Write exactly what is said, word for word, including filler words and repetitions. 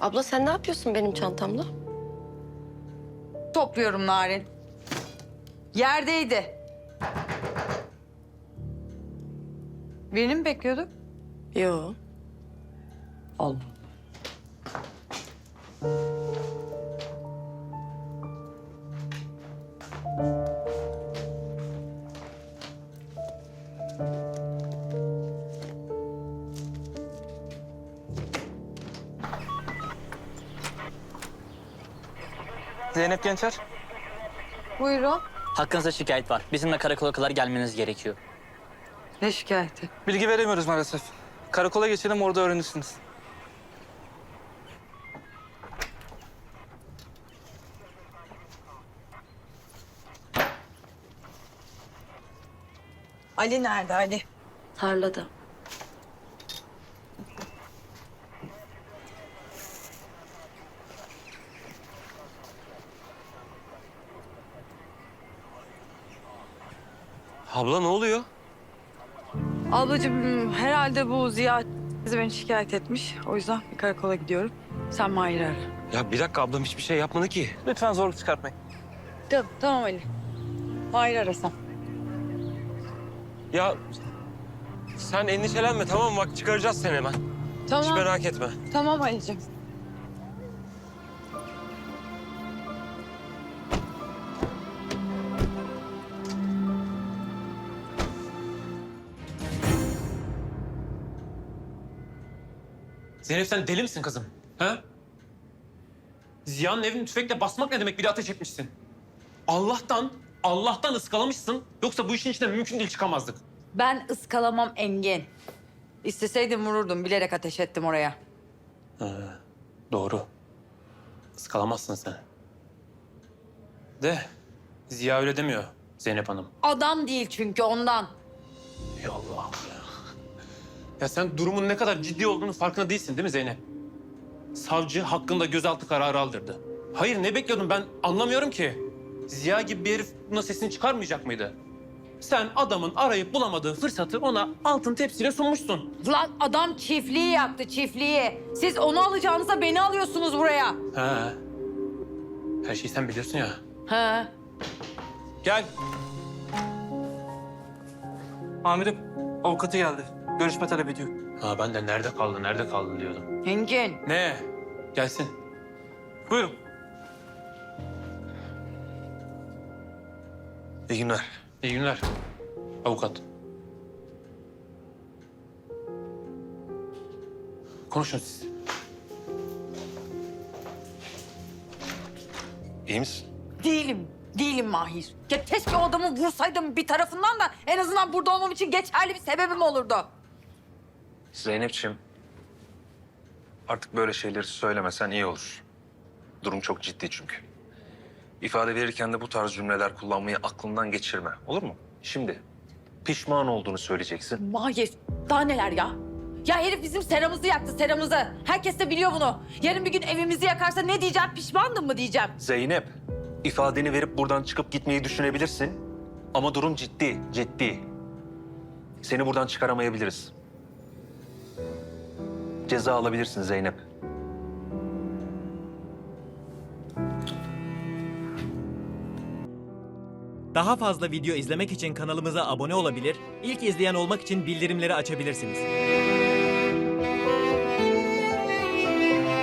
Abla sen ne yapıyorsun benim çantamla? Topluyorum Narin. Yerdeydi. Birini mi bekliyorduk? Yo. Allah. Zeynep Gençer. Buyurun. Hakkınızda şikayet var. Bizimle karakola kadar gelmeniz gerekiyor. Ne şikayeti? Bilgi veremiyoruz maalesef. Karakola geçelim, orada öğrenirsiniz. Ali nerede Ali? Tarlada. Abla ne oluyor? Ablacığım herhalde bu Ziya beni şikayet etmiş. O yüzden bir karakola gidiyorum. Sen Mahir'i ara. Ya bir dakika, ablam hiçbir şey yapmadı ki. Lütfen zorluk çıkartmayın. Tamam, tamam Ali. Mahir'i arasam. Ya sen endişelenme, tamam mı? Bak çıkaracağız seni hemen. Hiç Tamam, merak etme. tamam Ali'ciğim. Zeynep sen deli misin kızım? Ha? Ziya'nın evini tüfekle basmak ne demek? Bir de ateş etmişsin. Allah'tan, Allah'tan ıskalamışsın. Yoksa bu işin içinden mümkün değil çıkamazdık. Ben ıskalamam Engin. İsteseydim vururdum. Bilerek ateş ettim oraya. Doğru. Iskalamazsın sen. De Ziya öyle demiyor Zeynep Hanım. Adam değil çünkü ondan. Ya Allah'ım ya. Ya sen durumun ne kadar ciddi olduğunu farkında değilsin değil mi Zeynep? Savcı hakkında gözaltı kararı aldırdı. Hayır ne bekliyordun ben anlamıyorum ki. Ziya gibi bir herif buna sesini çıkarmayacak mıydı? Sen adamın arayıp bulamadığı fırsatı ona altın tepsiyle sunmuşsun. Lan adam çiftliği yaktı çiftliği. Siz onu alacağınıza beni alıyorsunuz buraya. He. Her şeyi sen biliyorsun ya. He. Gel. Amirim, avukatı geldi. Görüşme talep ediyor. Ha ben de nerede kaldı, nerede kaldı diyordum. Engin. Ne? Gelsin. Buyurun. İyi günler. İyi günler. Avukat. Konuşun siz. İyi misin? Değilim. Değilim Mahir. Ya keşke o adamı vursaydım bir tarafından da en azından burada olmam için geçerli bir sebebim olurdu. Zeynep'ciğim, artık böyle şeyleri söylemesen iyi olur. Durum çok ciddi çünkü. İfade verirken de bu tarz cümleler kullanmayı aklından geçirme, olur mu? Şimdi pişman olduğunu söyleyeceksin. Mahir daha neler ya? Ya herif bizim seramızı yaktı seramızı. Herkes de biliyor bunu. Yarın bir gün evimizi yakarsa ne diyeceğim? Pişmandım mı diyeceğim? Zeynep, ifadeni verip buradan çıkıp gitmeyi düşünebilirsin. Ama durum ciddi, ciddi. Seni buradan çıkaramayabiliriz. Ceza alabilirsin Zeynep. Daha fazla video izlemek için kanalımıza abone olabilir, ilk izleyen olmak için bildirimleri açabilirsiniz.